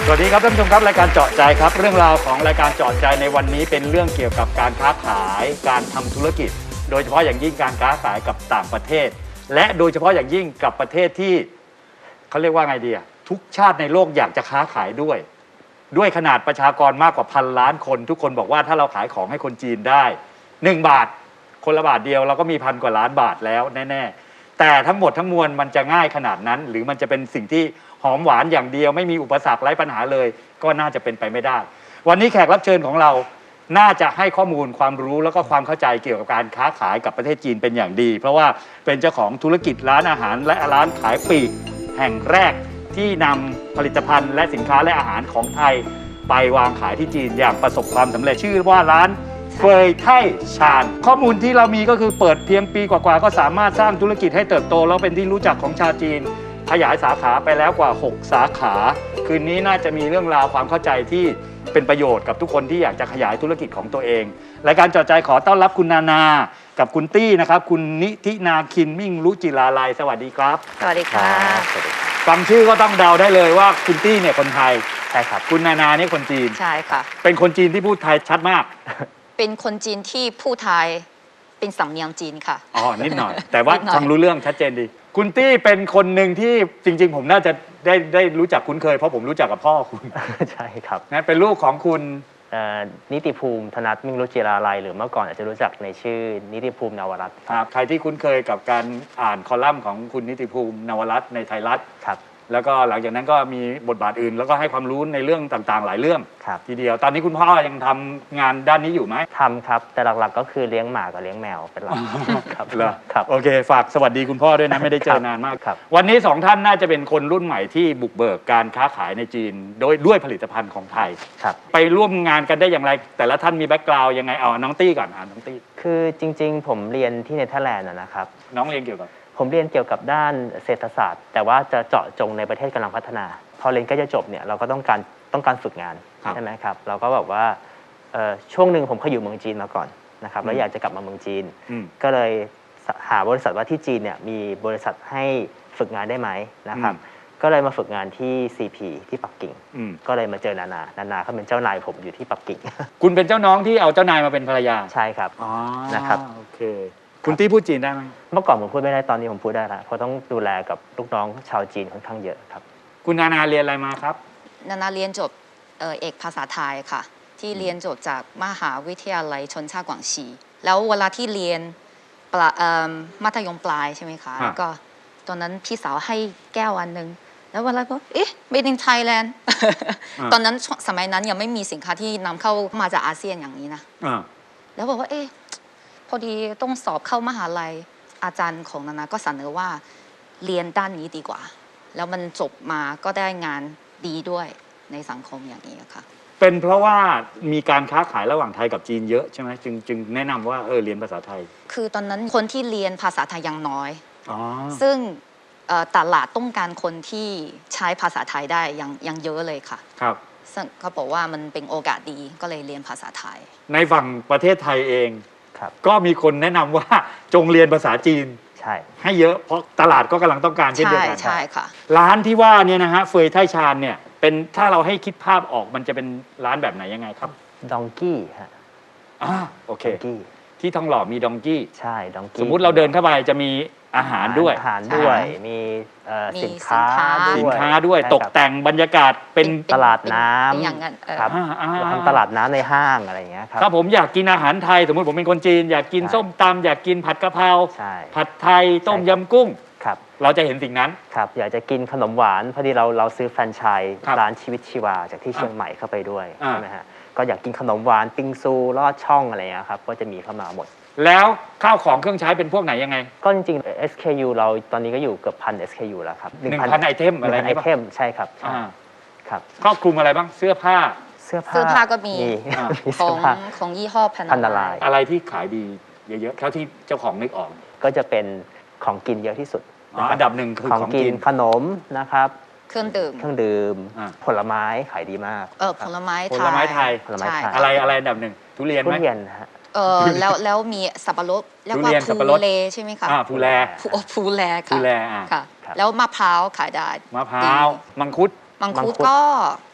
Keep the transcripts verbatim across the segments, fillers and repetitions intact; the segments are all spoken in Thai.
สวัสดีครับท่านผู้ชมครับรายการเจาะใจครับเรื่องราวของรายการเจาะใจในวันนี้เป็นเรื่องเกี่ยวกับการค้าขายการทำธุรกิจโดยเฉพาะอย่างยิ่งการค้าขายกับต่างประเทศและโดยเฉพาะอย่างยิ่งกับประเทศที่เขาเรียกว่าไงดีอะทุกชาติในโลกอยากจะค้าขายด้วยด้วยขนาดประชากรมากกว่าพันล้านคนทุกคนบอกว่าถ้าเราขายของให้คนจีนได้หนึ่งบาทคนละบาทเดียวเราก็มีพันกว่าล้านบาทแล้วแน่ๆแต่ทั้งหมดทั้งมวลมันจะง่ายขนาดนั้นหรือมันจะเป็นสิ่งที่หอมหวานอย่างเดียวไม่มีอุปสรรคไร้ปัญหาเลยก็น่าจะเป็นไปไม่ได้วันนี้แขกรับเชิญของเราน่าจะให้ข้อมูลความรู้แล้วก็ความเข้าใจเกี่ยวกับการค้าขายกับประเทศจีนเป็นอย่างดีเพราะว่าเป็นเจ้าของธุรกิจร้านอาหารและร้านขายปลีกแห่งแรกที่นำผลิตภัณฑ์และสินค้าและอาหารของไทยไปวางขายที่จีนอย่างประสบความสำเร็จชื่อว่าร้านเฟยไท่ชานข้อมูลที่เรามีก็คือเปิดเพียงปีกว่าๆก็สามารถสร้างธุรกิจให้เติบโตแล้วเป็นที่รู้จักของชาวจีนขยายสาขาไปแล้วกว่าหกสาขาคืนนี้น่าจะมีเรื่องราวความเข้าใจที่เป็นประโยชน์กับทุกคนที่อยากจะขยายธุรกิจของตัวเองรายการเจาะใจขอต้อนรับคุณนานากับคุณตี้นะครับคุณนิธินาคินมิ่งรุจิลาลัยสวัสดีครับสวัสดีค่ะฟังชื่อก็ต้องเดาได้เลยว่าคุณตี้เนี่ยคนไทยใช่ครับคุณนานาเนี่ยคนจีนใช่ค่ะเป็นคนจีนที่พูดไทยชัดมากเป็นคนจีนที่พูดไทยเป็นสำเนียงจีนค่ะอ๋อนิดหน่อยแต่ว่าฟังรู้เรื่องชัดเจนดีคุณตี้เป็นคนหนึ่งที่จริงๆผมน่าจะได้ได้รู้จักคุ้นเคยเพราะผมรู้จักกับพ่อคุณใช่ครับนะเป็นลูกของคุณนิติภูมิธนัทมิ่งรุจิราลัยหรือเมื่อก่อนอาจจะรู้จักในชื่อนิติภูมินวรัตน์ครับใครที่คุ้นเคยกับการอ่านคอลัมน์ของคุณนิติภูมินวรัตน์ในไทยรัฐครับแล้วก็หลังจากนั้นก็มีบทบาทอื่นแล้วก็ให้ความรู้ในเรื่องต่างๆหลายเรื่องทีเดียวตอนนี้คุณพ่อยังทำงานด้านนี้อยู่ไหมทำครับแต่หลักๆก็คือเลี้ยงหมากับเลี้ยงแมวเป็นหลักครับครับโอเคฝากสวัสดีคุณพ่อด้วยนะไม่ได้เจอนานมากครับวันนี้สองท่านน่าจะเป็นคนรุ่นใหม่ที่บุกเบิกการค้าขายในจีนโดยด้วยผลิตภัณฑ์ของไทยครับไปร่วมงานกันได้อย่างไรแต่ละท่านมีแบ็กกราวด์ยังไงเอาน้องตี้ก่อนอ่านน้องตี้คือจริงๆผมเรียนที่เนเธอร์แลนด์นะครับน้องเรียนเกี่ยวกับผมเรียนเกี่ยวกับด้านเศรษฐศาสตร์แต่ว่าจะเจาะจงในประเทศกำลังพัฒนาพอเรียนใกล้จะจบเนี่ยเราก็ต้องการต้องการฝึกงานใช่ไหมครับเราก็แบบว่าช่วงหนึ่งผมเคยอยู่เมืองจีนมาก่อนนะครับแล้วอยากจะกลับมาเมืองจีนก็เลยหาบริษัทว่าที่จีนเนี่ยมีบริษัทให้ฝึกงานได้ไหมนะครับก็เลยมาฝึกงานที่ ซี พี ที่ปักกิ่งก็เลยมาเจอนานานานาเขาเป็นเจ้านายผมอยู่ที่ปักกิ่งคุณเป็นเจ้าน้องที่เอาเจ้านายมาเป็นภรรยาใช่ครับนะครับโอเคคุณตี้พูดจีนได้ไหมเมื่อก่อนผมพูดไม่ได้ตอนนี้ผมพูดได้แล้วเพราะต้องดูแลกับลูกน้องชาวจีนค่อนข้างเยอะครับคุณนานาเรียนอะไรมาครับนานาเรียนจบเอกภาษาไทยค่ะที่เรียนจบจากมหาวิทยาลัยชนชาติกวางซีแล้วเวลาที่เรียนมัธยมปลายใช่ไหมคะแล้วก็ตอนนั้นพี่สาวให้แก้วอันนึงแล้วเวลาก็เอ๊ะ made in Thailand ตอนนั้นสมัยนั้นยังไม่มีสินค้าที่นำเข้ามาจากอาเซียนอย่างนี้นะแล้วบอกว่าเอ๊ะพอดีต้องสอบเข้ามหาลัยอาจารย์ของนานาก็เสนอว่าเรียนด้านนี้ดีกว่าแล้วมันจบมาก็ได้งานดีด้วยในสังคมอย่างนี้ค่ะเป็นเพราะว่ามีการค้าขายระหว่างไทยกับจีนเยอะใช่ไหมจึงจึงแนะนำว่าเออเรียนภาษาไทยคือตอนนั้นคนที่เรียนภาษาไทยยังน้อยซึ่งตลาดต้องการคนที่ใช้ภาษาไทยได้ยังยังเยอะเลยค่ะครับซึ่งเขาบอกว่ามันเป็นโอกาสดีก็เลยเรียนภาษาไทยในฝั่งประเทศไทยเองก็มีคนแนะนำว่าจงเรียนภาษาจีนใช่ให้เยอะเพราะตลาดก็กำลังต้องการเช่นเดียวกันใช่ค่ะร้านที่ว่าเนี่ยนะฮะเฟยไท่ชานเนี่ยเป็นถ้าเราให้คิดภาพออกมันจะเป็นร้านแบบไหนยังไงครับดองกี้ฮะอ่าโอเคที่ทองหล่อมีดองกี้ใช่ดองกี้สมมุติเราเดินเข้าไปจะมีอาหารด้วยอาหารด้วยมีสินค้าสินค้าด้วยตกแต่งบรรยากาศเป็นตลาดน้ำอย่างนั้นครับทำตลาดน้ำในห้างอะไรอย่างเงี้ยครับถ้าผมอยากกินอาหารไทยสมมติผมเป็นคนจีนอยากกินส้มตำอยากกินผัดกะเพราผัดไทยต้มยำกุ้งเราจะเห็นสิ่งนั้นครับอยากจะกินขนมหวานพอดีเราเราซื้อแฟรนไชส์ร้านชีวิตชีวาจากที่เชียงใหม่เข้าไปด้วยใช่ไหมฮะก็อยากกินขนมหวานปิงซูลอดช่องอะไรอย่างเงี้ยครับก็จะมีเข้ามาหมดแล้วข้าวของเครื่องใช้เป็นพวกไหนยังไงก็จริงๆ เอส เค ยู เราตอนนี้ก็อยู่เกือบพัน เอส เค ยู แล้วครับหนึ่งพันไอเทมอะไรไอเทมใช่ครับครับครอบคลุมอะไรบ้างเสื้อผ้าเสื้อผ้าเสื้อผ้าก็มีของของยี่ห้อพันนาลายอะไรที่ขายดีเยอะๆเท่าที่เจ้าของนึกออกก็จะเป็นของกินเยอะที่สุดอันดับหนึ่งคือของกินขนมนะครับเครื่องดื่มเครื่องดื่มผลไม้ขายดีมากเออผลไม้ไทยผลไม้ไทยผลไม้ไทยอะไรอะไรอันดับหนึ่งทุเรียนไหมทุเรียนฮะเออแล้วแล้วมีสับปะรดเรียกว่าภูเลใช่ไหมคะภูแลภูแลค่ะภูแลค่ะแล้วมะพร้าวขายได้มะพร้าวมังคุดมังคุดก็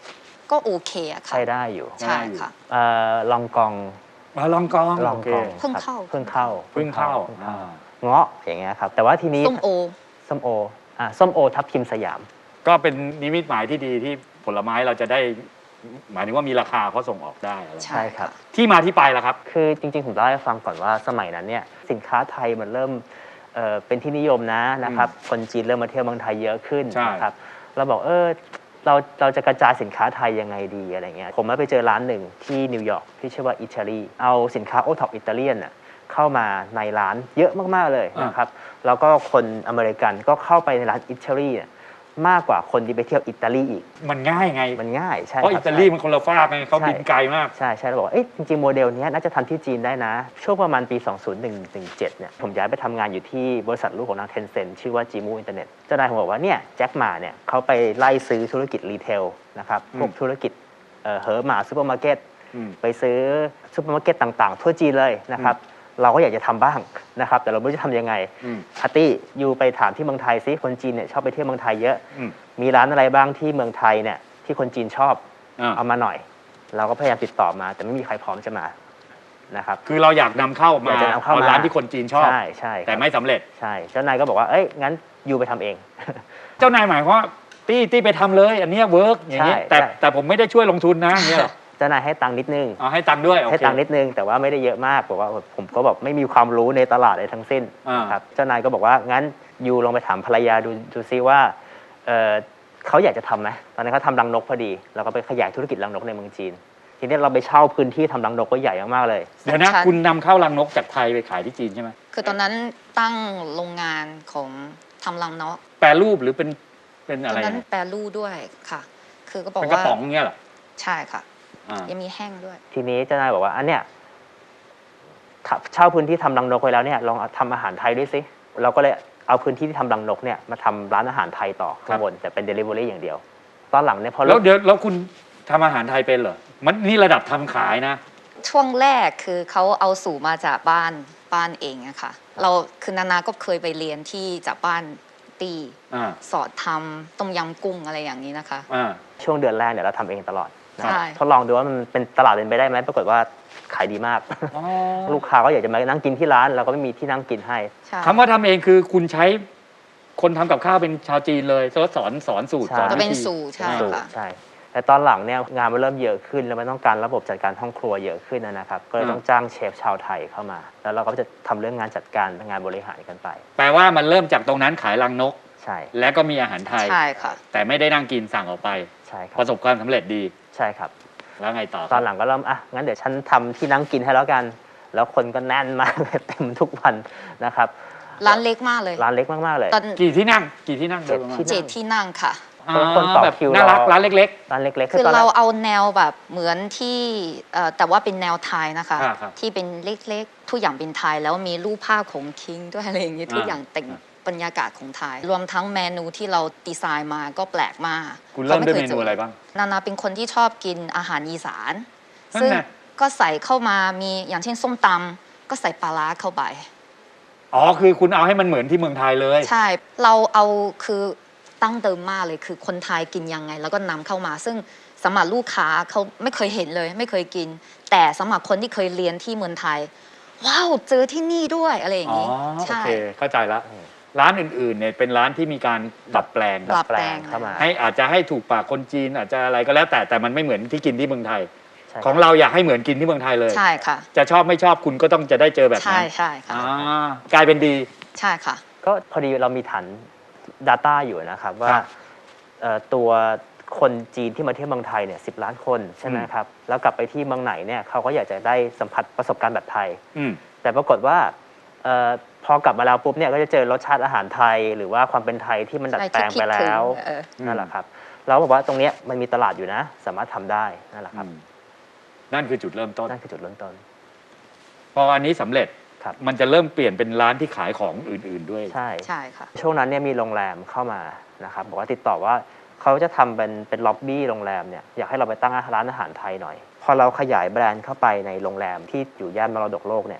ก็โอเคอะค่ะใช้ได้อยู่ใช่ค่ะเอ่อลองกองมาลองกองลองโเคกองเพิ่งครับเข้าเพิ่งเข้าเพิ่งเข้าพิ่งอ่าเงาะอย่างเงี้ยครับแต่ว่าทีนี้ส้มโอส้มโออ่าส้มโอทับทิมสยามก็เป็นนิมิตหมายที่ดีที่ผลไม้เราจะได้ หมายถึงว่ามีราคาเขาส่งออกได้อะไรใช่ครับที่มาที่ไปล่ะครับคือจริงๆ ผมเล่าให้ฟังก่อนว่าสมัยนั้นเนี่ยสินค้าไทยมันเริ่มเอ่อเป็นที่นิยมนะนะครับคนจีนเริ่มมาเที่ยวเมืองไทยเยอะขึ้นใช่นะครับเราบอกเออเราเราจะกระจายสินค้าไทยยังไงดีอะไรเงี้ยผมมาไปเจอร้านหนึ่งที่นิวยอร์กที่ชื่อว่าอิตาลีเอาสินค้าโอท็อปอิตาเลียนน่ะเข้ามาในร้านเยอะมากๆเลยนะครับแล้วก็คนอเมริกันก็เข้าไปในร้านอิตาลีเนี่ยมากกว่าคนที่ไปเที่ยวอิตาลีอีกมันง่ายไงมันง่ายใช่เพราะคอิรับตาลีมันคนละฟากไงเขาบินไกลมากใช่ใช่เราบอกว่าเอ๊ะจริงๆ โมเดลเนี้ยน่าจะทำที่จีนได้นะ ช่วงประมาณปี สองพันหนึ่งสิบเจ็ด เนี่ยผมย้ายไปทำงานอยู่ที่บริษัทลูกของทางเทนเซ็นชื่อว่าจีมูอินเทอร์เน็ตเจ้านายผมบอกว่าเนี่ยแจ็คหมาเนี่ยเขาไปไล่ซื้อธุรกิจรีเทลนะครับพวกธุรกิจเอ่อเหอหมาซูเปอร์มาร์เก็ตอืมไปซื้อซูเปอร์มาร์เก็ตต่างๆ ทั่วจีนเลยนะครับเราก็อยากจะทำบ้างนะครับแต่เราไม่รู้จะทำยังไงอืมอาร์ตี้ยูไปถามที่เมืองไทยซิคนจีนเนี่ยชอบไปเที่ยวเมืองไทยเยอะอืมมีร้านอะไรบ้างที่เมืองไทยเนี่ยที่คนจีนชอบอ่าเอามาหน่อย เราก็พยายามติดต่อมา แต่ไม่มีใครพร้อมจะมานะครับคือเราอยากนำเข้ามาอยากจะนำเข้ามาร้านที่คนจีนชอบใช่ใช่ครับแต่ไม่สำเร็จใช่เจ้านายก็บอกว่าเอ้ยงั้นยูไปทำเองเจ้านายหมายความว่าตี้ตี้ไปทำเลย อันเนี้เวิร์กอย่างนี้ใช่แต่ใช่แต่ผมไม่ได้ช่วยลงทุนนะอย่างเงี้ยเหรอเจ้านายให้ตังค์นิดนึงเอาให้ตังค์ด้วยโอให้เคตังค์นิดนึงแต่ว่าไม่ได้เยอะมากบอกว่าผมก็แบบไม่มีความรู้ในตลาดอะไรทั้งสิ้นอ่านนะครับเจ้านายก็บอกว่างั้นยูลองไปถามภรรยาดูดูซิว่าเอ่อเขาอยากจะทำไหมตอนนั้นเขาทำรังนกพอดีเราก็ไปขยายธุรกิจรังนกในเมืองจีนทีนี้เราไปเช่าพื้นที่ทำรังนกก็ใหญ่มากๆเลยเดี๋ยวนะชั้นคุณนำเข้ารังนกจากไทยไปขายที่จีนใช่ไหมคือตอนนั้นตั้งโรงงานของทำรังนกแปรรูปหรือเป็นเป็นตอะอนไรนั้นนะแปรรูปด้วยค่ะ คือก็บอกเป็นกระว่าป๋องเงี้ยเหรอใช่ค่ะอ่ายังมีแห้งด้วยทีนี้เจ้านายบอกว่าอันเนี้ยถ้าเช่าพื้นที่ทำรังนกไว้แล้วเนี่ยลองเอาทำอาหารไทยด้วยสิเราก็เลยเอาพื้นที่ที่ทำรังนกเนี่ยมาทำร้านอาหารไทยต่อข้างบนแต่เป็น Delivery อย่างเดียว ตอนหลังเนี่ยพอแล้วเดี๋ยวแล้วคุณทำอาหารไทยเป็นเหรอ มันนี่ระดับทำขายนะช่วงแรกคือเขาเอาสูตรมาจากบ้านบ้านเองอะค่ะ เราคือนานาก็เคยไปเรียนที่จากบ้านตีอ่าสอนทำต้มยำกุ้งอะไรอย่างนี้นะคะอ่าช่วงเดือนแรกเนี่ยเราทำเองตลอดนะใช่ทดลองดูว่ามันเป็นตลาดเป็นไปได้ไหมปรากฏว่าขายดีมากอ๋อลูกค้าก็อยากจะมานั่งกินที่ร้านเราก็ไม่มีที่นั่งกินให้ใช่คำว่าทำเองคือคุณใช้คนทำกับข้าวเป็นชาวจีนเลยแล้วสอนสอนสูตรใช่สอนจะวิเป็นธีสูตรใช่สูตรค่ะใช่แต่ตอนหลังเนี่ยงานมันเริ่มเยอะขึ้นแล้วมันต้องการระบบจัดการห้องครัวเยอะขึ้นนะครับ ก็เลยต้องจ้างเชฟชาวไทยเข้ามา แล้วเราก็จะทำเรื่องงานจัดการงานบริหารกันไปแปลว่ามันเริ่มจากตรงนั้นขายรังนกใช่และก็มีอาหารไทยใช่ค่ะแต่ไม่ได้นั่งกินสั่งออกไปใช่ครัปบระสบความสำเร็จดีใช่ครับแล้วไงต่อครับตอนหลังก็เริ่มอ่ะงั้นเดี๋ยวฉันทำที่นั่งกินให้แล้วกัน แล้วคนก็แน่นมาก เต็มทุกวันนะครับร้านเล็กมากเลยร้านเล็กมากๆเลยตอนกี่ที่นั่ง กี่ที่นั่งเจ็ดโยประมาณที่เจ็ดที่นั่งค่ะอ่าคนต่อแบบคิวน่ารักรอร้านเล็กร้านเล็กๆคือตนแรเรากเอาแนวแบบเหมือนที่เอ่อแต่ว่าเป็นแนวไทยนะคะอ่าครับที่เป็นเล็กๆ ทุกอย่างเป็นไทย แล้วมีรูปภาพของคิงด้วยอะไรอย่างนี้อ่าทุกอย่างแต่งบรรยากาศของไทย รวมทั้งเมนูที่เราดีไซน์มาก็แปลกมากๆ คุณเริ่มด้วยขาเมคจนูอะไรบ้างนานาเป็นคนที่ชอบกินอาหารอีสานนั่นซึ่งไงก็ใส่เข้ามามีอย่างเช่นส้มตำก็ใส่ปลาร้าเข้าไปอ๋อ คือคุณเอาให้มันเหมือนที่เมืองไทยเลยใช่ เราเอาคือตั้งเดิมมากเลยคือคนไทยกินยังไง แล้วก็นำเข้ามา ซึ่งสำหรับลูกค้าเขาไม่เคยเห็นเลย ไม่เคยกิน แต่สำหรับคนที่เคยเรียนที่เมืองไทย ว้าวเจอที่นี่ด้วยอะไรอย่างอ๋อนี้โอใช่เค เข้าใจละ ร้านอื่นๆ เนี่ยเป็นร้านที่มีการดัดแปลงดัดแปลงเข้ามาให้อาจจะให้ถูกปากคนจีนอาจจะอะไรก็แล้วแต่ แต่มันไม่เหมือนที่กินที่เมืองไทยใช่ของเราอยากให้เหมือนกินที่เมืองไทยเลยใช่ค่ะจะชอบไม่ชอบคุณก็ต้องจะได้เจอแบบใช่นั้นใช่ค่ะอ่ากลายเป็นดีใช่ค่ะก็พอดีเรามีฐาน Data อยู่นะครับว่าครับเอ่อตัวคนจีนที่มาเที่ยวเมืองไทยเนี่ยสิบล้านคนใช่ไหมครับแล้วกลับไปที่เมืองไหนเนี่ยเขาก็อยากจะได้สัมผัสประสบการณ์แบบไทยอืมแต่ปรากฏว่าเอ่อพอกลับมาแล้วปุ๊บเนี่ยก็จะเจอรสชาติอาหารไทย หรือว่าความเป็นไทยที่มันดัดแปลงไปแล้วใช่ที่คิดถึงเออนั่นแหละครับเราบอกว่าตรงเนี้ยมันมีตลาดอยู่นะ สามารถทำได้นั่นแหละครับอืมนั่นคือจุดเริ่มต้นนั่นคือจุดเริ่มต้นพออันนี้สำเร็จครับมันจะเริ่มเปลี่ยนเป็นร้านที่ขายของอื่น ๆด้วยใช่ใช่ค่ะช่วงนั้นเนี่ยมีโรงแรมเข้ามานะครับบอกว่าติดต่อว่าเขาจะทำเป็นเป็นล็อบบี้โรงแรมเนี่ยอยากให้เราไปตั้งร้านอาหารไทยหน่อย พอเราขยายแบรนด์เข้าไปในโรงแรมที่อยู่ย่านมรดกโลกเนี่ย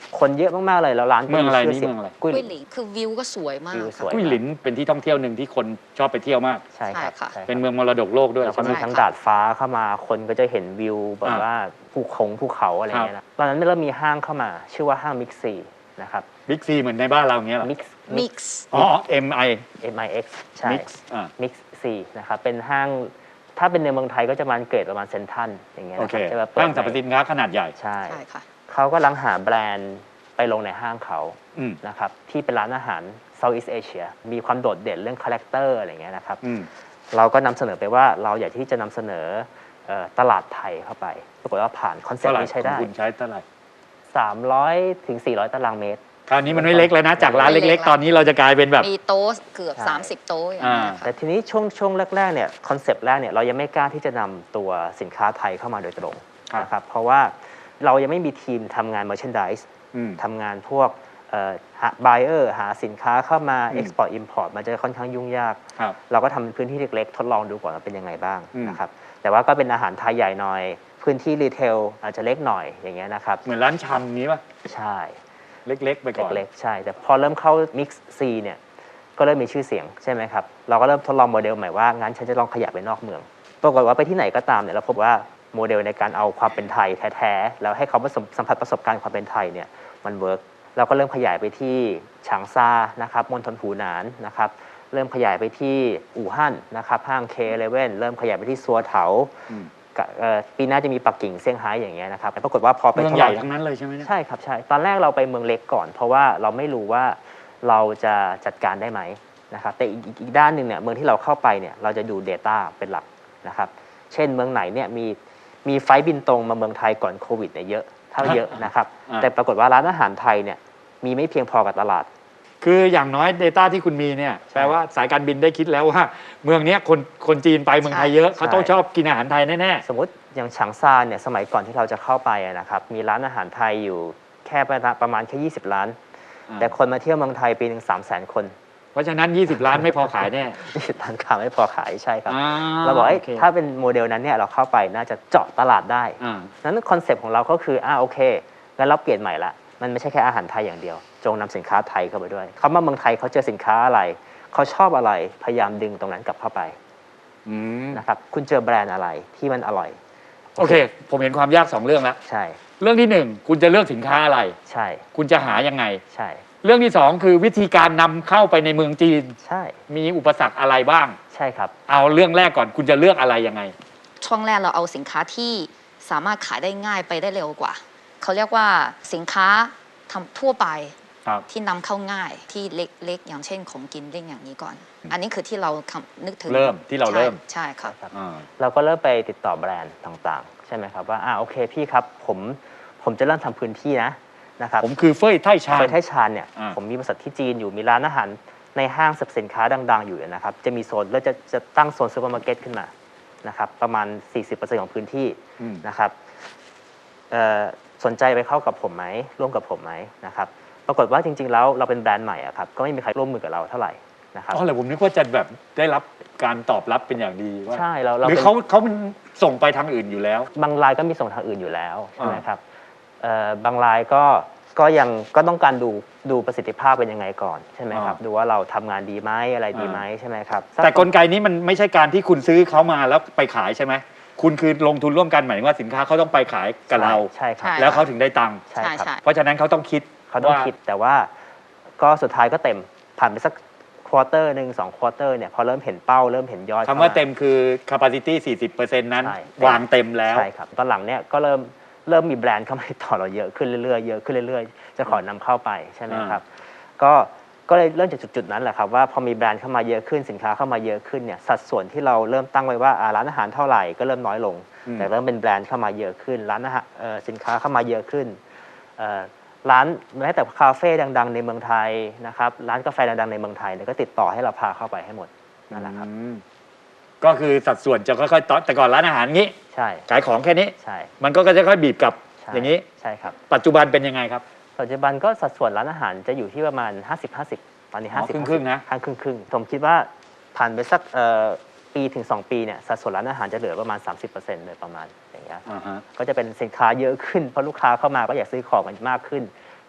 คนเยอะมากๆเลยแล้วร้านก็เมืองอะไรชื่นี่สียเมืองอะไรกุ้ยกุ้ยหหลินลินคือวิวก็สวยมากวิวสวยกุ้ยหลินเป็นที่ท่องเที่ยวหนึ่งที่คนชอบไปเที่ยวมากใช่ครับใช่ค่ะใช่ครับเป็นเมืองมรดกโลกด้วยแล้วก็ใช่ไหมมีทั้งดาดฟ้าเข้ามาคนก็จะเห็นวิวแบบอ่าว่าภูคงภูเขาอะไรเงี้ยนะตอนนั้นเริ่มมีห้างเข้ามา ชื่อว่าห้างมิกซีนะครับบิ๊กซีเหมือนในบ้านเราอย่างเงี้ยเหรอมิกซ์มิกซ์อ๋อ M I M I X ใช่ Mix อ่ามิกซีนะครับเป็นห้างถ้าเป็นในเมืองไทยก็จะมันเกรดประมาณเซนทรัลอย่างเงี้ยโอนะเคครับจะแบบเปิดห้างสรรพสินค้าขนาดใหญ่ใช่ใช่ค่ะเขาก็ลังหาแบรนด์ไปลงในห้างเขาอืมนะครับที่เป็นร้านอาหาร Southeast Asia มีความโดดเด่นเรื่องคาแรคเตอร์อะไรเงี้ยนะครับอืมเราก็นำเสนอไปว่าเราอยากที่จะนำเสนอเอ่อตลาดไทยเข้าไปปรากฏว่าผ่านคอนเซ็ปเท่าต์ไหร่นี้ใช้ขได้องคุณใช้เท่าไหร่สามร้อยถึงสี่ร้อยตารางเมตรคราวนี้มันไม่เล็กแล้วนะ จากร้านไม่เล็เล็กกๆ ตอนนี้เราจะกลายเป็นแบบมีโต๊ะเกือบใช่สามสิบ โต๊ะอย่างนี้ยอ่าค่ะแต่ทีนี้ช่วงช่วงแรกๆเนี่ยคอนเซปต์แรกเนี่ยเรายังไม่กล้าที่จะนำตัวสินค้าไทยเข้ามาโดยตรงครับนะครับเพราะว่าเรายังไม่มีทีมทำงาน merchandise อืมทำงานพวกเอ่อหา buyer หาสินค้าเข้ามาอืม export import มันจะค่อนข้างยุ่งยากครับเราก็ทำเป็นพื้นที่เล็กๆ ทดลองดูก่อนว่าเป็นยังไงบ้างอืมนะครับแต่ว่าก็เป็นอาหารไทยใหญ่หน่อย พื้นที่รีเทลอาจจะเล็กหน่อยอย่างเงี้ยนะครับเหมือนร้านชำนี้ป่ะใช่เล็ก ๆ ไปก่อนเล็กๆใช่ แต่พอเริ่มเข้า Mix C เนี่ยก็เริ่มมีชื่อเสียงใช่ไหมครับเราก็เริ่มทดลองโมเดลใหม่ว่างั้นฉันจะลองขยับไปนอกเมืองปรากฏว่าไปที่ไหนก็ตามเนี่ยเราพบว่าโมเดลในการเอาความเป็นไทยแท้ๆแล้วให้เขาผสมสัมผัสประสบการณ์ความเป็นไทยเนี่ยมันเวิร์กเราก็เริ่มขยายไปที่ฉางซานะครับมณฑลหูหนานนะครับเริ่มขยายไปที่อู่ฮั่นนะครับห้าง เค สิบเอ็ด เริ่มขยายไปที่ซัวเถาอืมกะเอ่อปีหน้าจะมีปักกิ่งเซี่ยงไฮ้อย่างเงี้ยนะครับปรากฏว่าพอไปเมืองทดใหลญ่ทั้งนั้นเลยใช่ไหมเนี่ยใช่ครับใช่ตอนแรกเราไปเมืองเล็กก่อน เพราะว่าเราไม่รู้ว่าเราจะจัดการได้ไหมนะครับแต่อีกอีกอีกด้านหนึ่งเนี่ยเมืองที่เราเข้าไปเนี่ยเราจะดู Data เป็นหลักนะครับเช่นเมืองไหนเนี่ยมีมีไฟล์บินตรงมาเมืองไทยก่อนโควิดเนี่ยเยอะเท่าเยอะนะครับอ่าแต่ปรากฏว่าร้านอาหารไทยเนี่ยมีไม่เพียงพอกับตลาดคืออย่างน้อย Data ที่คุณมีเนี่ยแปลว่าสายการบินได้คิดแล้วว่า เมืองเนี้ยคนคนจีนไปเมืองไทยเยอะ เขาต้องชอบกินอาหารไทยแน่สมมติอย่างฉางซาเนี่ยสมัยก่อนที่เราจะเข้าไปอะนะครับมีร้านอาหารไทยอยู่แค่ประมาณประมาณแค่ยี่สิบล้านอ่าแต่คนมาเที่ยวเมืองไทยปีหนึ่งสามแสนคนๆ เพราะฉะนั้น ยี่สิบ ล้านไม่พอขายแน่ยี่สิบล้านค้าไม่พอขายใช่ครับอ่เราบอกเอ้ยโคถ้าเป็นโมเดลนั้นเนี่ยเราเข้าไปน่าจะเจาะตลาดได้อ่านั้นคอนเซปต์ของเราก็คืออ่าโอเคงั้นเราเปลี่ยนใหม่ละมันไม่ใช่แค่อาหารไทยอย่างเดียว จงนำสินค้าไทยเข้าไปด้วยเขามาเมืองไทยเขาเจอสินค้าอะไรเขาชอบอะไรพยายามดึงตรงนั้นกลับเข้าไปอืมนะครับคุณเจอแบรนด์อะไรที่มันอร่อยโอเค ผมเห็นความยากสองเรื่องแล้วใช่เรื่องที่หนึ่งคุณจะเลือกสินค้าอะไรใช่คุณจะหายังไงใช่เรื่องที่สองคือวิธีการนำเข้าไปในเมืองจีนใช่มีอุปสรรคอะไรบ้างใช่ครับเอาเรื่องแรกก่อนคุณจะเลือกอะไรยังไงช่วงแรกเราเอาสินค้าที่สามารถขายได้ง่ายไปได้เร็วกว่า เขาเรียกว่าสินค้าทำทั่วไปครับที่นำเข้าง่ายที่เล็กๆ อย่างเช่นของกินเล่นอย่างนี้ก่อน อันนี้คือที่เราคำนึกถึงเริ่มที่เราเริ่มใช่ใช่ครับอ่าเราก็เริ่มไปติดต่อแบรนด์ต่างๆ ใช่ไหมครับว่าอ่าโอเคพี่ครับผมผมจะเริ่มทำพื้นที่นะนะครับผมคือเฟ้ยไท่ชาญเฟยไทชานเนี่ยอ่าผมมีบริษัทที่จีนอยู่มีร้านอาหารในห้างสรรพสินค้าดังๆอยู่นะครับจะมีโซนแล้วจะจะตั้งโซนซูเปอร์มาร์เก็ตขึ้นมานะครับประมาณ สี่สิบเปอร์เซ็นต์ ของพื้นที่อืมนะครับเอ่อสนใจไปเข้ากับผมไหมร่วมกับผมไหมนะครับปรากฏว่าจริงๆแล้วเราเป็นแบรนด์ใหม่อะครับก็ไม่มีใครร่วมมือกับเราเท่าไหร่นะครับอ๋อเหรอผมนึกว่าจะแบบได้รับการตอบรับเป็นอย่างดีว่าใช่เราเราหรือเป็นเขาเขามันส่งไปทางอื่นอยู่แล้วบางรายก็มีส่งทางอื่นอยู่แล้วใช่ไหมอ่าครับเอ่อบางรายก็ก็ยังก็ต้องการดูดูประสิทธิภาพเป็นยังไงก่อนใช่ไหมครับดูว่าเราทำงานดีไหมอะไรดีไหมใช่ไหมครับแต่กลไกนี้มันไม่ใช่การที่คุณซื้อเขามาแล้วไปขายใช่ไหมคุณคือลงทุนร่วมกันหมายถึงว่าสินค้าเขาต้องไปขายกับเราใช่ครับใช่แล้วเขาถึงได้ตังค์ใช่ครับใช่เพราะฉะนั้นเขาต้องคิดเขาต้องว่าคิดแต่ว่าก็สุดท้ายก็เต็มผ่านไปสักควอเตอร์หนึ่งสองควอเตอร์เนี่ยพอเริ่มเห็นเป้าเริ่มเห็นยอดคำว่าเต็มคือ capacity สี่สิบเปอร์เซ็นต์ นั้นใช่วางเต็มแล้วใช่ครับตอนหลังเนี่ยก็เริ่มเริ่มมีแบรนด์เข้ามาติดต่อเราเยอะขึ้นเรื่อยๆเยอะขึ้นเรื่อยๆจะขอนำเข้าไปใช่ไหมครับก็ก็เลยเริ่มจากจุดๆนั้นแหละครับว่าพอมีแบรนด์เข้ามาเยอะขึ้นสินค้าเข้ามาเยอะขึ้นเนี่ยสัดส่วนที่เราเริ่มตั้งไว้ว่าอ่าร้านอาหารเท่าไหร่ก็เริ่มน้อยลงอืมแต่เริ่มเป็นแบรนด์เข้ามาเยอะขึ้นร้านอาหารเอ่อสินค้าเข้ามาเยอะขึ้นเอ่อร้านแม้แต่คาเฟ่ดังๆในเมืองไทยนะครับร้านกาแฟดังๆในเมืองไทยเนี่ยก็ติดต่อให้เราพาเข้าไปให้หมดนั่นแหละครับอืมก็คือสัดส่วนจะค่อยๆต่อแต่ก่อนร้านอาหารงี้ใช่ขายของแค่นี้ใช่มันก็จะค่อยๆบีบกลับใช่อย่างนี้ใช่ครับปัจจุบันเป็นยังไงครับปัจจุบันก็สัดส่วนร้านอาหารจะอยู่ที่ประมาณ ห้าสิบ ห้าสิบ ตอนนี้อ๋อห้าสิบครึ่งๆนะห้าครึ่งครึ่งๆผมคิดว่าผ่านไปสักเอ่อปีถึง สอง ปีเนี่ยสัดส่วนร้านอาหารจะเหลือประมาณ สามสิบเปอร์เซ็นต์ โดยประมาณอย่างเงี้ยอ่าฮะก็จะเป็นสินค้าเยอะขึ้นเพราะลูกค้าเข้ามาก็อยากซื้อของกันมากขึ้น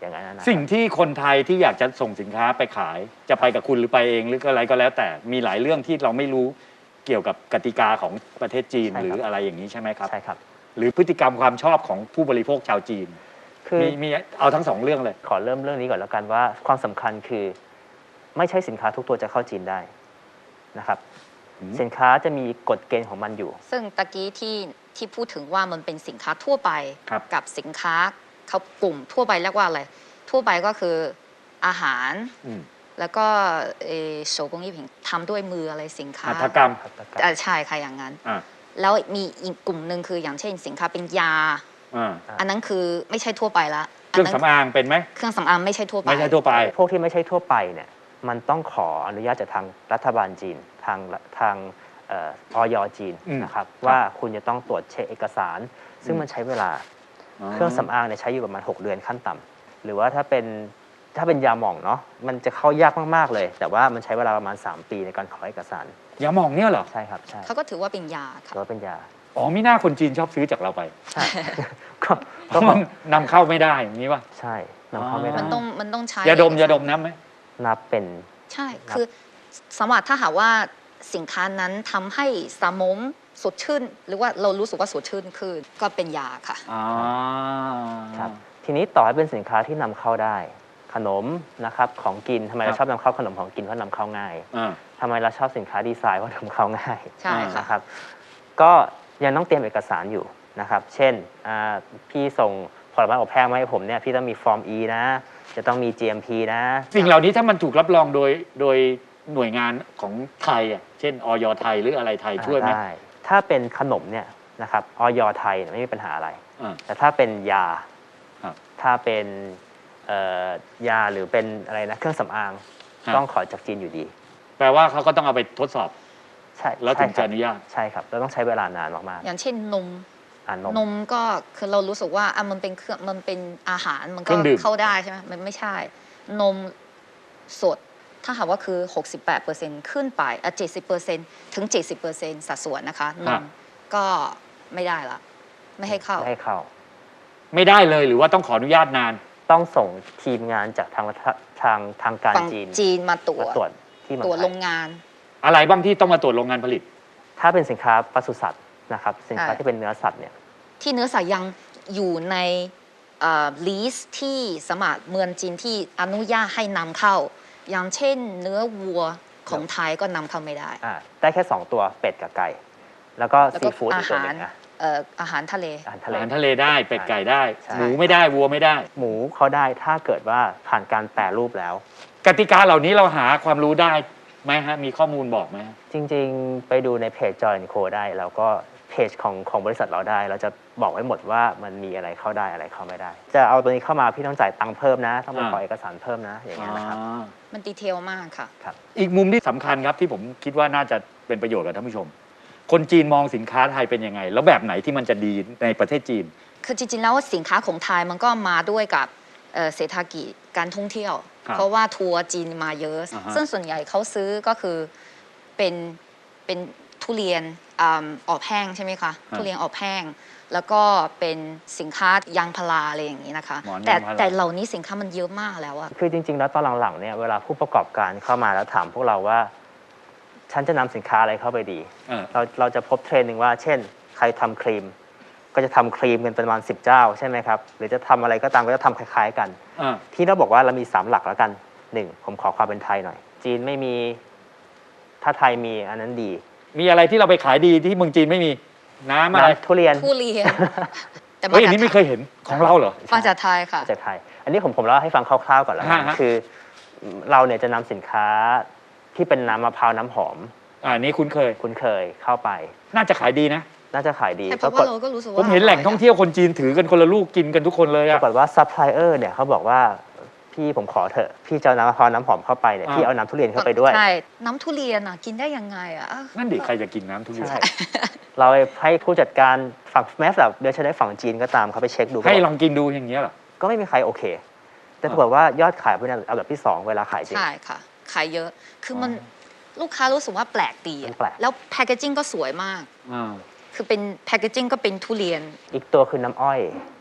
อย่างนั้นนะสิ่งที่คนไทยที่อยากจะส่งสินค้าไปขาย จะไปกับคุณหรือไปเองหรืออะไรก็แล้ว แต่มีหลายเรื่องที่เราไม่รู้เกี่ยวกับกติกาของประเทศจีนหรืออะไรอย่างนี้ใช่ไหมครับใช่ครับหรือพฤติกรรมความชอบของผู้บริโภคชาวจีนคือมีมีเอาทั้งสองเรื่องเลยขอเริ่มเรื่องนี้ก่อนแล้วกันว่าความสำคัญคือไม่ใช่สินค้าทุกตัวจะเข้าจีนได้นะครับอืมสินค้าจะมีกฎเกณฑ์ของมันอยู่ซึ่งตะกี้ที่ที่พูดถึงว่ามันเป็นสินค้าทั่วไปครับกับสินค้าเขากลุ่มทั่วไปเรียกว่าอะไรทั่วไปก็คืออาหารอืมแล้วก็เออ手工艺品ทำด้วยมืออะไรสินค้าหัตถกรรมอ่าใช่ค่ะอย่างนั้นอ่าแล้วมีอีกกลุ่มหนึ่งคืออย่างเช่นสินค้าเป็นยาอ่าอันนั้นคือไม่ใช่ทั่วไปละเครื่องสำอางเป็นไหมเครื่องสำอางไม่ใช่ทั่วไปไม่ใช่ทั่วไปพวกที่ไม่ใช่ทั่วไปเนี่ยมันต้องขออนุญาตจากทางรัฐบาลจีนทางทางเออยจีนอืมนะครับครับว่าคุณจะต้องตรวจเช็คเอกสาร ซึ่งอืมมันใช้เวลา เครื่องสำอางเนี่ยใช้อยู่ประมาณหกเดือนขั้นต่ำหรือว่าถ้าเป็นถ้าเป็นยาหม่องเนาะมันจะเข้ายากมากๆเลย แต่ว่ามันใช้เวลาประมาณสามปีในการขอเอกสารยาหมองเนี่ยเหรอใช่ครับใช่เขาก็ถือว่าเป็นยาหค่ะรือว่าเป็นยาอ๋อมีหน้าคนจีนชอบซื้อจากเราไปใช่ ก็เพก็ราะมันนำเข้าไม่ได้อย่างนี้ป่ะใช่นำเข้าไม่ได้มันต้องมันต้องใช้ยาดมเอกสรยาดมน้ำไหมนับเป็นใช่ คือสมมติถ้าหากว่าสินค้านั้นทำให้สมองสดชื่น หรือว่าเรารู้สึกว่าสดชื่นขึ้นก็เป็นยาค่ะอ๋อครับทีนี้ต่อให้เป็นสินค้าที่นำเข้าได้ ขนมนะครับของกินทำไมเราชอบนำเข้าขนมของกินเพราะนำเข้าง่ายอ่าทำไมเราชอบสินค้าดีไซน์เพราะนำเข้าง่ายใช่ค่ะนะครับก็ยังต้องเตรียมเอกสารอยู่นะครับเช่นอ่าพี่ส่งผลไม้อบแห้งมาให้ผมเนี่ยพี่ต้องมีฟอร์ม E นะ จะต้องมี จี เอ็ม พี นะสิ่งเหล่านี้ถ้ามันถูกรับรองโดยโดยหน่วยงานของไทยอ่ะเช่นออยไทยหรืออะไรไทยช่วยไหมได้ถ้าเป็นขนมเนี่ยนะครับออยไทยเนี่ยไม่มีปัญหาอะไรอ่าแต่ถ้าเป็นยาครับถ้าเป็นเอ่อยาหรือเป็นอะไรนะเครื่องสำอางครับต้องขอจากจีนอยู่ดีแปลว่าเขาก็ต้องเอาไปทดสอบใช่แล้วถึงใช่ครับจะอนุญาตใช่ครับเราต้องใช้เวลานานมากอย่างเช่นนมๆอ่านนมนมก็คือเรารู้สึกว่าอ่ะมันเป็นเครื่องมันเป็นอาหารมันเคก็รื่องดื่มเข้าได้ใช่ไหมมันไม่ใช่ นมสด ถ้าหากว่าคือ หกสิบแปดเปอร์เซ็นต์ ขึ้นไปอ่ะเจ็ดสิบเปอร์เซ็นต์ ถึง เจ็ดสิบเปอร์เซ็นต์ สัดส่วนนะคะนมก็ไม่ได้ละ ไม่ให้เข้าไม่ให้เข้าไม่ได้เลยหรือว่าต้องขออนุญาตนานต้องส่งทีมงานจากทางรัฐทางทางการฝั่งจีนจีนมาตรวมาจตรวจที่เมืองตรวจไทโรยงงานอะไรบ้างที่ต้องมาตรวจโรงงานผลิตถ้าเป็นสินค้าปศุสัตว์นะครับสินค้าใช่ที่เป็นเนื้อสัตว์เนี่ยที่เนื้อสัตว์ยังอยู่ในลิสต์ที่สมัครเมืองจีนที่อนุญาตให้นำเข้า อย่างเช่นเนื้อวัวของไทยก็นำเข้าไม่ได้อ่าได้แค่ สอง ตัวเป็ดกับไก่ แล้วก็แล้วซีก็ฟู้ดอีอากตัวหาหรนึ่งนะเอ่ออาหารทะเลอาหารทะอาเลหารทะเลได้เป็ดไก่ได้ใช่หมูไม่ได้วัวไม่ได้หมูเขาได้ถ้าเกิดว่าผ่านการแปรรูปแล้วกติกาเหล่านี้เราหาความรู้ได้ไหมฮะมีข้อมูลบอกไหมฮะจริงๆ ไปดูในเพจ Joy แอนด์ Co ได้ แล้วก็เพจของของบริษัทเราได้ เราจะบอกไว้หมดว่ามันมีอะไรเข้าได้อะไรเข้าไม่ได้ จะเอาตัวนี้เข้ามาพี่ต้องจ่ายตังค์เพิ่มนะ ต้องไปขอเอกสารเพิ่มนะ อย่างเงี้ยนะครับอ่ามันดีเทลมากค่ะอีกมุมที่สำคัญครับที่ผมคิดว่าน่าจะเป็นประโยชน์กับท่านผู้ชม คนจีนมองสินค้าไทยเป็นยังไง แล้วแบบไหนที่มันจะดีในประเทศจีนคือจริงๆแล้วสินค้าของไทยมันก็มาด้วยกับเอ่อเศรษฐกิจการท่องเที่ยวครับเพราะว่าทัวร์จีนมาเยอะอ่าฮะซึ่งส่วนใหญ่เขาซื้อก็คือเป็นเป็นทุเรียนอ่าออบแห้งใช่ไหมคะ ทุเรียนออบแห้ง แล้วก็เป็นสินค้ายางพาราอะไรอย่างนี้นะคะหมอนแต่ยางพาราแต่เหล่านี้สินค้ามันเยอะมากแล้วอะคือจริงๆ แล้วตอนหลังๆ เนี่ยเวลาผู้ประกอบการเข้ามาแล้วถามพวกเราว่า ฉันจะนำสินค้าอะไรเข้าไปดีเออเราเราจะพบเทรนด์หนึ่งว่า เช่น ใครทำครีม ก็จะทำครีมกันประมาณสิบเจ้าใช่ไหมครับ หรือจะทำอะไรก็ตามก็จะทำคล้ายๆกันอ่าที่เราบอกว่าเรามีสามหลักแล้วกันหนึ่งผมขอความเป็นไทยหน่อย จีนไม่มีถ้าไทยมีอันนั้นดีมีอะไรที่เราไปขายดีที่เมืองจีนไม่มีน้ำอะไรน้ำทุเรียนทุเรียน แต่มาเฮ้ยอัจาน กนี้ไม่เคยเห็นของเราเหรอมาจากไทยค่ะจากไทย อันนี้ผมผมเล่าให้ฟังคร่าวๆก่อนแล้วกันฮะฮะคือเราเนี่ยจะนำสินค้าที่เป็นน้ำมะพร้าวน้ำหอมอ่านี่คุ้นเคยคุ้นเคยเข้าไปน่าจะขายดีนะน่าจะขายดีใช่เพปราะรากว่าฏเราก็รู้สึกผว่ามเห็นแหล่งท่องเที่ยวคนจีนถือกันคนละลูกกินกันทุกคนเลยปอะรากฏว่าซัพพลายเออร์เนี่ยเขาบอกว่าพี่ผมขอเถอะ พี่จะเอาน้ำมะพร้าวน้ำหอมเข้าไปเนี่ยอ่าพี่เอาน้ำทุเรียนเข้าไปด้วยใช่ น้ำทุเรียนอ่ะกินได้ยังไงอ่ะนั่นดิใครจะกินน้ำทุเรียนใช่ เราให้ผู้จัดการฝั่งแม้แต่เดี๋ยวจะได้ฝั่งจีนก็ตามเขาไปเช็คดูให้ก็ลองกินดูอย่างเงี้ยเหรอก็ไม่มีใครโอเค แต่ปรากฏว่ายอดขายเป็นอันดับที่สองเวลาขายจริงใช่ค่ะ ขายเยอะ คือมันลูกค้ารู้สึกว่าแปลกดีอะมันแปลกแล้วแพคเกจิ้งก็สวยมากอ่าคือเป็นแพคเกจิ้งก็เป็นทุเรียนอีกตัวคือน้ำอ้อย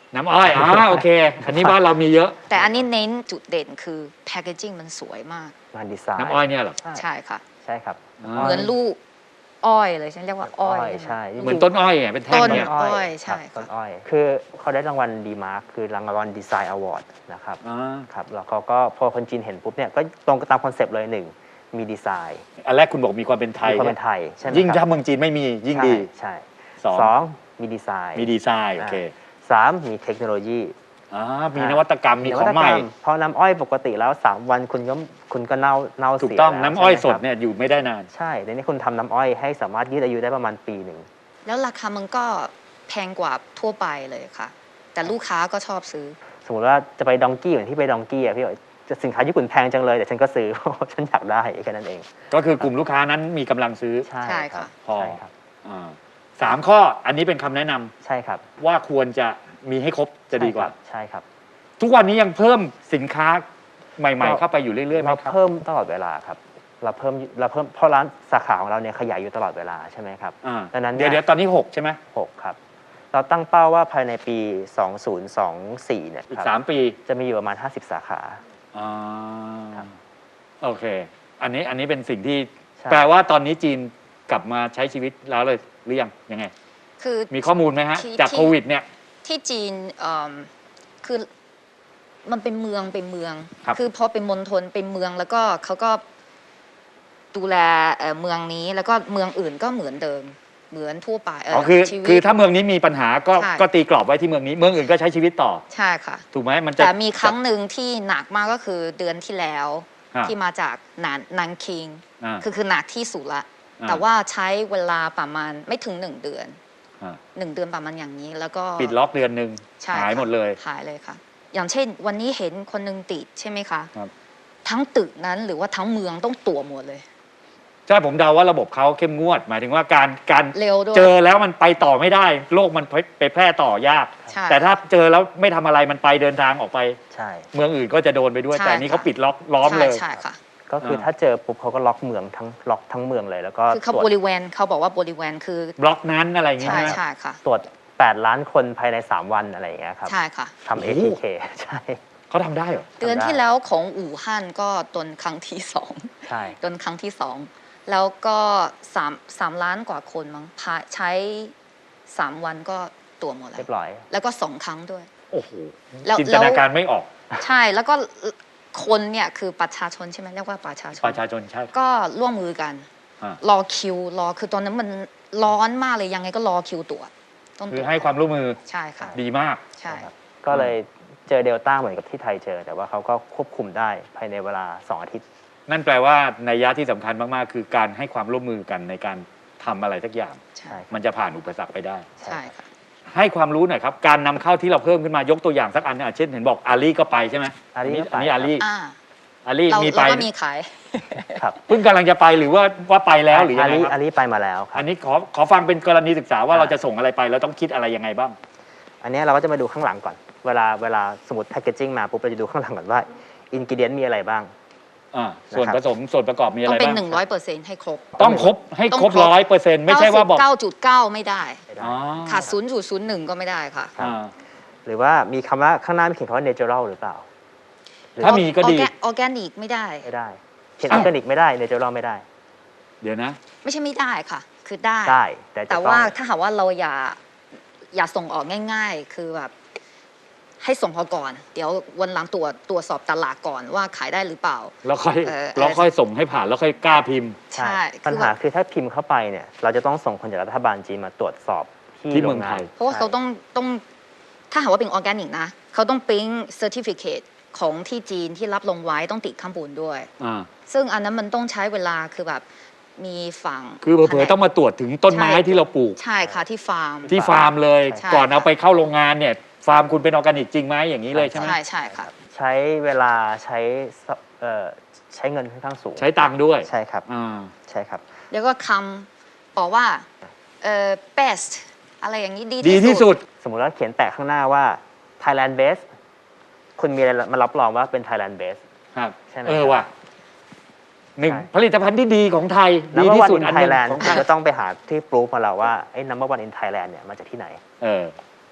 น้ำอ้อยอ๋อโอเคอันนี้บ้านเรามีเยอะแต่อันนี้เน้นจุดเด่นคือแพคเกจิ้งมันสวยมากงานดีไซน์น้ำอ้อยเนี่ยเหรอใช่ค่ะใช่ครับอ่าเหมือนลูกอ้อยเลยฉันเรียกว่าอ้อยใช่เหมือนต้นอ้อยไงเป็นแท่งต้นเนี่ยอ้อยใช่ครับต้ค่ะนอ้อย คือเขาได้รางวัลดีมาร์คคือรางวัลดีไซน์อวอร์ดนะครับอ่าครับแล้วเขาก็พอคนจีนเห็นปุ๊บเนี่ยก็ตรงตามคอนเซปต์เลยหนึ่งมีดีไซน์อันแรกคุณบอกมีความเป็นไทยมีความเป็นไทยใช่ไหมยิ่งคถ้ารับเมืองจีนไม่มียิ่งดีใช่สองสองมีดีไซน์มีดีไซน์โอเคสามมีเทคโนโลยีอ่ามีนวัตกรรมมีของใหม่นวัตกรรเพราะน้ำอ้อยปกติแล้วสามวันคุณก็คุณก็เน่าเน่าเสียถูกต้องแล้วน้ำอ้อยใช่ไหมสดครับเนี่ยอยู่ไม่ได้นานใช่ในนี้คุณทำน้ำอ้อยให้สามารถยืดอายุได้ประมาณปีหนึ่งแล้วราคามันก็แพงกว่าทั่วไปเลยค่ะ แต่ลูกค้าก็ชอบซื้อสมมติว่าจะไปดองกี้เหมือนที่ไปดองกี้อะพี่บอกจะสินค้าญี่ปุ่นแพงจังเลยแต่ฉันก็ซื้อ เพราะฉันอยากได้แค่นั้นเองก็คือกลุ่มลูกค้านั้นมีกำลังซื้อใช่ใช่ครัค่ะบพอใช่ครับอ่าสามข้ออันนี้เป็นคำแนะนำใช่ครับว่าควรจะมีให้ครบจะดีกว่าใช่ครับทุกวันนี้ยังเพิ่มสินค้าใหม่ๆ เข้าไปอยู่เรื่อยๆไหมเราครับเพิ่มตลอดเวลาครับเราเพิ่มเราเพิ่มเพราะร้านสาขาของเราเนี่ยขยายอยู่ตลอดเวลาใช่ไหมครับอ่าดังนั้นเดี๋ยวเนี่เดี๋ยยวตอนนี้หกใช่ไหมหกครับเราตั้งเป้าว่าภายในปี สองพันยี่สิบสี่ เนี่ยอีครักบสามปีจะมีอยู่ประมาณ ห้าสิบ สาขาอ่าครับโอเค อันนี้อันนี้เป็นสิ่งที่ใช่แปลว่าตอนนี้จีนกลับมาใช้ชีวิตแล้วเลยหรือยังยังไงคือมีข้อมูลไหมฮะที่จากที่โควิดเนี่ยที่จีนเอิ่มคือมันเป็นเมืองเป็นเมืองครับอพอเป็นมณฑลเป็นเมืองแล้วก็เขาก็ดูแลเอ่อเมืองนี้แล้วก็เมืองอื่นก็เหมือนเดิมเหมือนทั่วไปเอ๋อคือชีวิตคือถ้าเมืองนี้มีปัญหาก็ใช่ก็ตีกรอบไว้ที่เมืองนี้ เมืองอื่นก็ใช้ชีวิตต่อใช่ค่ะถูกไหมมันจะแต่มีครั้งหนึ่งที่หนักมากก็คือเดือนที่แล้วอ่าที่มาจากนานนันคิงอ่าคือคือหนักที่สุดละอ่าแต่ว่าใช้เวลาประมาณไม่ถึงหนึ่งเดือนอ่าหนึ่งเดือนประมาณอย่างนี้แล้วก็ปิดล็อกเดือนหนึ่งใช่หายค่ะหมดเลยหายเลยค่ะ อย่างเช่น วันนี้เห็นคนหนึ่งติดใช่ไหมคะครับทั้งตึกนั้นหรือว่าทั้งเมืองต้องตรวจหมดเลยใช่ผมเดาว่าระบบเขาเข้มงวด หมายถึงว่าการการเร็วด้วยเจอแล้วมันไปต่อไม่ได้ โรคมันไปแพร่ต่อยากใช่แต่ถ้าเจอแล้วไม่ทำอะไรมันไปเดินทางออกไปใช่เมืองอื่นก็จะโดนไปด้วยใช่แต่อันนี้ค่ะเขาปิดล็อกล้อมใช่เลยใช่ค่ะก็คืออ่าถ้าเจอปุ๊บเขาก็ล็อกเมืองทั้งล็อกทั้งเมืองเลยแล้วก็คือเขาตรวจบริเวณเขาบอกว่าบริเวณคือบล็อกนั้นอะไรอย่างงี้ใช่ใช่ไหมใช่ค่ะตรวจ แปด ล้านคนภายใน สาม วันอะไรอย่างเงี้ยครับใช่ค่ะทำโอ้เอโหที เค ใช่เขาทำได้เหรอเดือนที่แล้วของอู่ฮั่นก็ตนครั้งที่สองใช่ตนครั้งที่สองแล้วก็สามสามล้านกว่าคนมั้งพาใช้สามวันก็ตัวจหมดแล้เรีวยบร้อยแล้วก็สองครั้งด้วยโอ้โหแล้วจินตนาการไม่ออกใช่แล้วก็คนเนี่ยคือประชาชนใช่ไหมเรียกว่าประชาชนประชาชนใช่ก็ร่วมมือกันอ่ารอคิวรอคือตอนนั้นมันร้อนมากเลยยังไงก็รอคิวตรวจต้องตคืรอวจให้ความร่วมมือใช่ค่ะดีมากใช่ครับก็เลยเจอเดลต้าเหมือนกับที่ไทยเจอ แต่ว่าเขาก็ควบคุมได้ภายในเวลา สอง อาทิตย์นั่นแปลว่าในยยะที่สำคัญมาก ๆ คือการให้ความร่วมมือกันในการทำอะไรสักอย่างใช่มันจะผ่านอุปสรรคไปได้ใช่ค่ะให้ความรู้หน่อยครับ การนำเข้าที่เราเพิ่มขึ้นมายกตัวอย่างสักอันเนี่ยเช่นเห็นบอกอาลีก็ไปใช่ไหมอาลีก็ไปอันนี้อาลีอ่าอาลีเรามีไปเราก็มีขายครับเพิ่งกำลังจะไปหรือว่าว่าไปแล้วหรือยังไงลีคอารับลีไปมาแล้วครัอับนนี้ขอขอฟังเป็นกรณีศึกษาว่าอ่าเราจะส่งอะไรไปแล้วต้องคิดอะไรยังไงบ้างอันเนี้ยเราก็จะมาดูข้างหลังก่อน เวลาเวลาสมมติแพคเกจิ้งมาปุ๊บเราจะดูข้างหลังก่อนว่าอินกิเดียนมีอะไรบ้างอ่าส่วนนะครับผสมส่วนประกอบมีอะต้อไรงเป็นบ้างหนึ่งร้อยเปอร์เซ็นต์ให้ครบต้องครบให้ต้องครบครบร้อยเปอร์เซ็นต์ไม่ใช่ว่าบอกเก้าจุดเก้าไม่ได้อ๋อขาดศูนย์จุดศูนย์หนึ่งก็ไม่ได้ค่ะอ่าหรือว่ามีคำว่าข้างหน้ามีเขียนคำว่า natural หรือเปล่าถ้ามีก็ดีออร์แกนิกไม่ได้ไม่ได้เขียนออร์แกนิกไม่ได้ natural ไม่ได้เดี๋ยวนะไม่ใช่ไม่ได้ค่ะ คือได้ได้แต่จะแต่ต้องว่าถ้าหากว่าเราอย่าอย่าส่งออกง่าย ๆ คือแบบให้ส่งออกก่อน เดี๋ยววันหลังตรวจตรวจสอบตลาดก่อนว่าขายได้หรือเปล่าแล้วค่อยเอ่อแล้วค่อยส่งให้ผ่านแล้วค่อยกล้าพิมพ์ใช่ปัญคือหาแบบคือถ้าพิมพ์เข้าไปเนี่ยเราจะต้องส่งคนจากรัฐบาลจีนมาตรวจสอบที่ที่โรเมืองงไทงานยเพราะว่าเขาต้องต้องถ้าหากว่าเป็นออร์แกนิกนะ เขาต้องปริ้งเซอร์ติฟิเคตของที่จีนที่รับลงไว้ต้องติดข้างบนด้วยอ่าซึ่งอันนั้นมันต้องใช้เวลาคือแบบมีฝั่งคือเผลอๆต้องมาตรวจถึงต้นไม้ที่เราปลูกใช่ค่ะที่ฟาร์มที่ฟาร์มเลยใช่ก่อนเอาไปเข้าโรงงานเนี่ย ฟาร์มคุณเป็นออร์แกนิกจริงไหมอย่างนี้เลยใช่ไหมใช่ใช่ค่ะใช้เวลาใช้สเอ่อใช้เงินค่อนข้างสูงใช้ตังค์ด้วยใช่ครับอ่าใช่ครับแล้วก็คำบอกว่าเอ่อ best อะไรอย่างนี้ดีดีที่สุดสมมุติว่าเขียนแปะข้างหน้าว่า Thailand base คุณมีอะไรมารับรองว่าเป็น Thailand base ครับใช่ไหมเออครับว่ะหนึ่งใช่ผลิตภัณฑ์ที่ดีของไทย ดี number ที่ one สุด in อันหนึ่ง Thailand ของคุไทณยก็ต้องไปหาที่ proof มาแล้วว่าไอ้ number one in Thailand เนี่ยมาจากที่ไหนเออ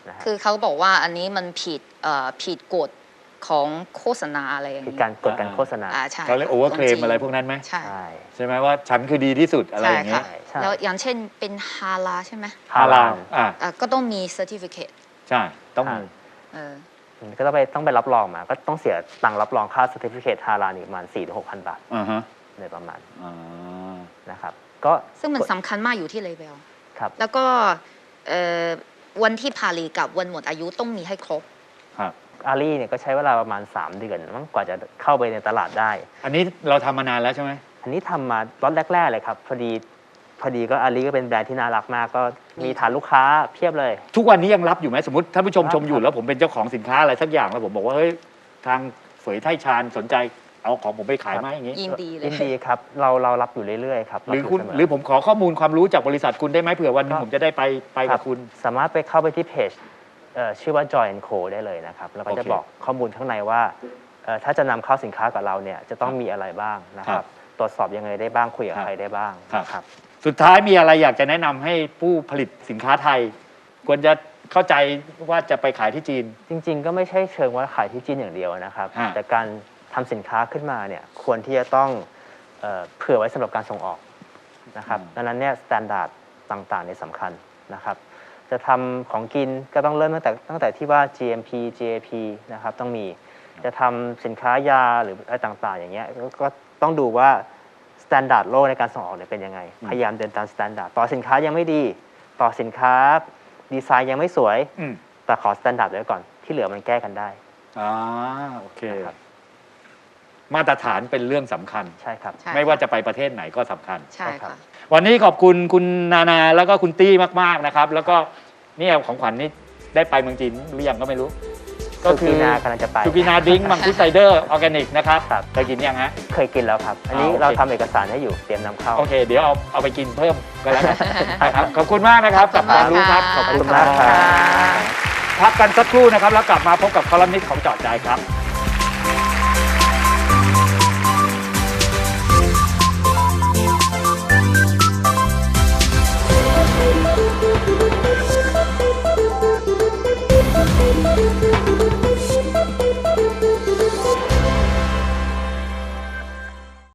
นะฮะคือเขาบอกว่าอันนี้มันผิดเอ่อผิดกฎของโฆษณาอะไรอย่างคือนี้การกดการโฆษณาอ่าใช่เขาเรียกโอเวอร์เคลมอะไรพวกนั้นไหมใช่ใช่ใช่ไหมว่าฉันคือดีที่สุดอะไรใช่อย่างเงี้ค่ะยใช่แล้วอย่างเช่นเป็นฮาลาใช่ไหมฮาลาลอ่ะอ่ะก็ต้องมี certificate ใช่ต้องมีเออก็ต้องไปต้องไปรับรองมา ก็ต้องเสียตังค์รับรองค่า certificate ฮาลาลอีกประมาณ สี่ถึงหกพัน บาทอ่าฮะโดยประมาณอ่านะครับ ก็ซึ่งมันสำคัญมากอยู่ที่เลเวลครับแล้วก็เอ่อวันที่ผลิตกับวันหมดอายุต้องมีให้ครบครับอารีเนี่ยก็ใช้เวลาประมาณ สาม เดือนมั้งกว่าจะเข้าไปในตลาดได้อันนี้เราทำมานานแล้วใช่ไหมอันนี้ทำมาล็อตแรก ๆ เลยครับ พอดีพอดีก็อารีก็เป็นแบรนด์ที่น่ารักมาก ก็มีฐานลูกค้าเพียบเลยทุกวันนี้ยังรับอยู่ไหมสมมติท่านผู้ชมรับชมอยู่ครับแล้วผมเป็นเจ้าของสินค้าอะไรสักอย่างแล้วผมบอกว่าเฮ้ยทางเฝยไทชาญสนใจเอาของผมไปขายไหมอย่างงี้ยินดีเลยยินดีครับ เราเรารับอยู่เรื่อยๆครับหรือรับคุณยู่เสมหรือผมขอข้อมูลความรู้จากบริษัทคุณได้ไหมเผื่อวันหนึงก็ผมจะได้ไปไปคกัรับบ คุณสามารถไปเข้าไปที่เพจเอ่อชื่อว่า Joy แอนด์ Co ได้เลยนะครับ แล้วก็จะโอเคบอกข้อมูลข้างในว่าเอ่อถ้าจะนำเข้าสินค้ากับเราเนี่ยจะต้องมีอะไรบ้างนะคครัรับ บ ตรวจสอบยังไงได้บ้างคุยกับครับใครได้บ้างครับนะครับสุดท้ายมีอะไรอยากจะแนะนำให้ผู้ผลิตสินค้าไทย ควรจะเข้าใจว่าจะไปขายที่จีนจริงๆ ก็ไม่ใช่เชิงว่าขายที่จีนอย่างเดียวนะครับฮะแต่การทำสินค้าขึ้นมาเนี่ยควรที่จะต้องเอ่อเผื่อไว้สำหรับการส่งออกนะครับดังนั้นเนี่ยสแตนดาร์ดต่างๆเนี่ยสำคัญนะครับ จะทำของกินก็ต้องเริ่มตั้งแต่ตั้งแต่ที่ว่า จี เอ็ม พี จี เอ พี นะครับต้องมีจะทำสินค้ายาหรืออะไรต่างๆ อย่างเงี้ยก็ก็ต้องดูว่าสแตนดาร์ดโลกในการส่งออกเนี่ยเป็นยังไง พยายามเดินตามสแตนดาร์ดต่อสินค้ายังไม่ดี ต่อสินค้าดีไซน์ยังไม่สวยอืมแต่ขอสแตนดาร์ดไว้ก่อนที่เหลือมันแก้กันได้อ่าโอเคนะครับมาตรฐานเป็นเรื่องสำคัญใช่ครับใช่ไม่ว่าจะไปประเทศไหนก็สำคัญใช่ค่ะวันนี้ขอบคุณคุณนานาแล้วก็คุณตี้มากๆนะครับ แล้วก็เนี่ยของขวัญนี่ได้ไปเมืองจีนหรือยังก็ไม่รู้ ก็สุกีนากำลังจะไปสุกีนาดิ้งมังคุดไซเดอร์ออร์แกนิกนะครับครับเคยกินยังฮะเคยกินแล้วครับ อันนี้อ่าโอเคเราทำเอกสารให้อยู่เตรียมนำเข้าโอเค เดี๋ยวเอาเอาไปกินเพิ่มก็แล้วกันนะครับขอบคุณมากนะครับกับความรู้ครับขอบคุณมากครับพักกันสักครู่นะครับ แล้วกลับมาพบกับคอลัมนิสต์ของเจาะใจครับ